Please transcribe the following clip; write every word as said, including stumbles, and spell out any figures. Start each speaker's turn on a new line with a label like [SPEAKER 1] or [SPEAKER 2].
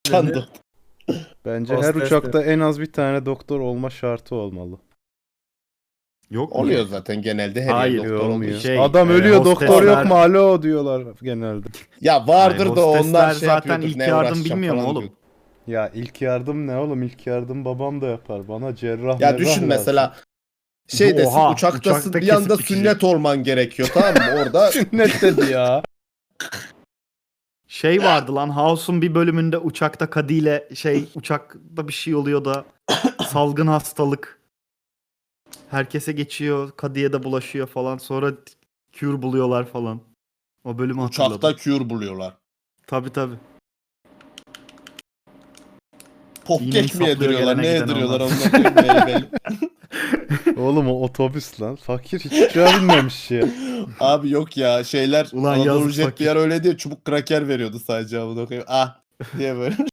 [SPEAKER 1] Uçan
[SPEAKER 2] dedi?
[SPEAKER 1] doktor.
[SPEAKER 3] Bence her
[SPEAKER 2] Hostes
[SPEAKER 3] uçakta en az bir tane doktor olma şartı olmalı.
[SPEAKER 4] Yok mu?
[SPEAKER 1] Oluyor zaten genelde her
[SPEAKER 4] Hayır,
[SPEAKER 1] yer doktor
[SPEAKER 3] Olmuyor.
[SPEAKER 1] oluyor.
[SPEAKER 4] Şey,
[SPEAKER 3] Adam
[SPEAKER 4] e,
[SPEAKER 3] ölüyor doktor yok
[SPEAKER 4] hostesler-
[SPEAKER 3] mu alo diyorlar genelde.
[SPEAKER 1] Ya vardır
[SPEAKER 4] Hayır,
[SPEAKER 1] da onlar
[SPEAKER 4] hostesler
[SPEAKER 1] şey
[SPEAKER 4] zaten
[SPEAKER 1] yapıyordur.
[SPEAKER 4] ilk
[SPEAKER 1] Ne
[SPEAKER 4] yardım
[SPEAKER 1] uğraşacağım
[SPEAKER 4] bilmiyor mu
[SPEAKER 1] falan
[SPEAKER 4] oğlum?
[SPEAKER 1] diyor.
[SPEAKER 3] Ya ilk yardım ne oğlum? İlk yardım babam da yapar. Bana cerrah
[SPEAKER 1] Ya
[SPEAKER 3] merrah
[SPEAKER 1] düşün
[SPEAKER 3] lazım.
[SPEAKER 1] mesela şeydesin
[SPEAKER 4] Oha,
[SPEAKER 1] uçaktasın
[SPEAKER 4] uçakta
[SPEAKER 1] bir anda
[SPEAKER 4] kesip
[SPEAKER 1] sünnet olman gerekiyor tamam mı? Orada
[SPEAKER 3] Sünnet dedi ya.
[SPEAKER 4] Şey vardı lan, House'un bir bölümünde uçakta Cady ile şey uçakta bir şey oluyor da salgın hastalık. Herkese geçiyor, Cady'ye de bulaşıyor falan. Sonra cure buluyorlar falan. O bölümü hatırladım.
[SPEAKER 1] uçakta cure buluyorlar.
[SPEAKER 4] Tabii tabii.
[SPEAKER 1] Popkek
[SPEAKER 4] İğneyi
[SPEAKER 1] mi
[SPEAKER 4] saplıyor
[SPEAKER 1] yediriyorlar?
[SPEAKER 4] gelene
[SPEAKER 1] Ne
[SPEAKER 4] giden
[SPEAKER 1] yediriyorlar
[SPEAKER 4] onlar.
[SPEAKER 1] onunla koyayım meyveli.
[SPEAKER 3] Oğlum o otobüs lan. Fakir hiç uçağa binmemiş ya.
[SPEAKER 1] Abi yok ya şeyler
[SPEAKER 4] Ulan
[SPEAKER 1] Anadolu
[SPEAKER 4] yazık
[SPEAKER 1] Jet bir
[SPEAKER 4] fakir.
[SPEAKER 1] yer öyle diyor çubuk kraker veriyordu sadece amına koyayım. Ah diye böyle.